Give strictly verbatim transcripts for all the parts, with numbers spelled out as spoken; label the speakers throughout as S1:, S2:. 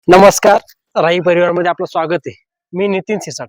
S1: नमस्कार. राही परिवारमध्ये आपलं स्वागत आहे. मी नितीन सिसाट.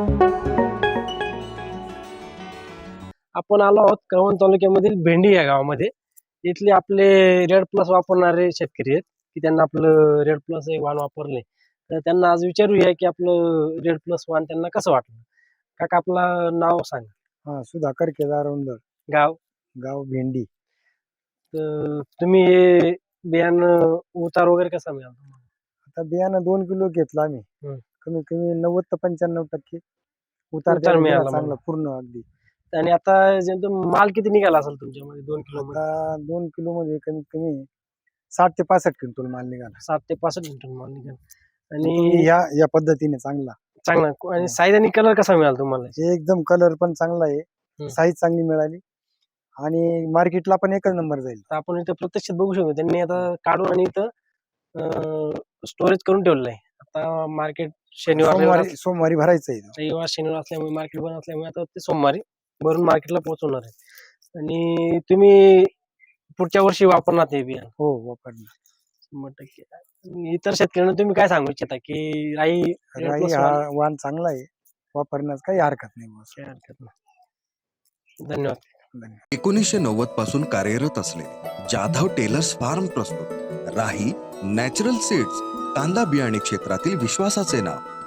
S1: आपण आलो आहोत कळवण तालुक्यामधील भेंडी या गावामध्ये. इथले आपले रेड प्लस वापरणारे शेतकरी आहेत की त्यांना आपलं रेड प्लस हे वाण वापरले. तर त्यांना आज विचारूया की आपलं रेड प्लस वाण त्यांना कसं वाटलं. काका आपलं नाव सांगा.
S2: हा सुधाकर केदार उंदर,
S1: गाव.
S2: गाव भेंडी.
S1: तर तुम्ही हे बियाणं उतार वगैरे कसा मिळाला तुम्हाला?
S2: आता बियाणं दोन किलो घेतलं आम्ही.
S1: हं.
S2: कमीत कमी नव्वद ते पंच्याण्णव टक्के उतार
S1: उतार
S2: त्याला दिला
S1: मिळाला
S2: चांगला
S1: मला.
S2: पूर्ण अगदी.
S1: आणि आता जे माल किती निघाला असेल तुमच्यामध्ये दोन किलो मध्ये?
S2: आता दोन किलो मध्ये कमीत कमी साठ ते पासष्ट क्विंटल माल निघाला.
S1: सात ते पासष्ट क्विंटल माल निघाला.
S2: तुम्ही
S1: आणि
S2: या या पद्धतीने चांगला
S1: चांगला आणि साईज आणि कलर कसा मिळाला तुम्हाला?
S2: एकदम कलर पण चांगला
S1: हं.
S2: आहे, साईज चांगली मिळाली आणि मार्केटला पण एकच नंबर जाईल.
S1: तर आपण इथं प्रत्यक्षात बघू शकतो त्यांनी आता काढून आणि इथं स्टोरेज करून ठेवलेलं आहे. आता मार्केट शनिवार रविवार
S2: सोमवारी सोमवारी भरायचं आहे.
S1: रविवार शनिवार असल्यामुळे मार्केट बंद असल्यामुळे आता ते सोमवारी भरून मार्केटला पोहोचवणार आहे. आणि तुम्ही पुढच्या वर्षी वापरणार ते बियाणं?
S2: हो वापरणार.
S1: शंभर टक्के. इतर शेतकऱ्यांना तुम्ही काय सांगू इच्छिता की राई Red
S2: राई
S1: Plus
S2: हा
S1: वाण-
S2: वाण चांगला आहे, वापरण्यास काही हरकत नाही बस.
S1: काही हरकत नाही. धन्यवाद.
S2: धन्यवाद.
S3: एकोणीसशे नव्वद पासून कार्यरत असलेले जाधव टेलर्स फार्म प्रस्तुत राही नॅचरल सीड्स कांदा बियाणे क्षेत्रातील विश्वासाचे नाव.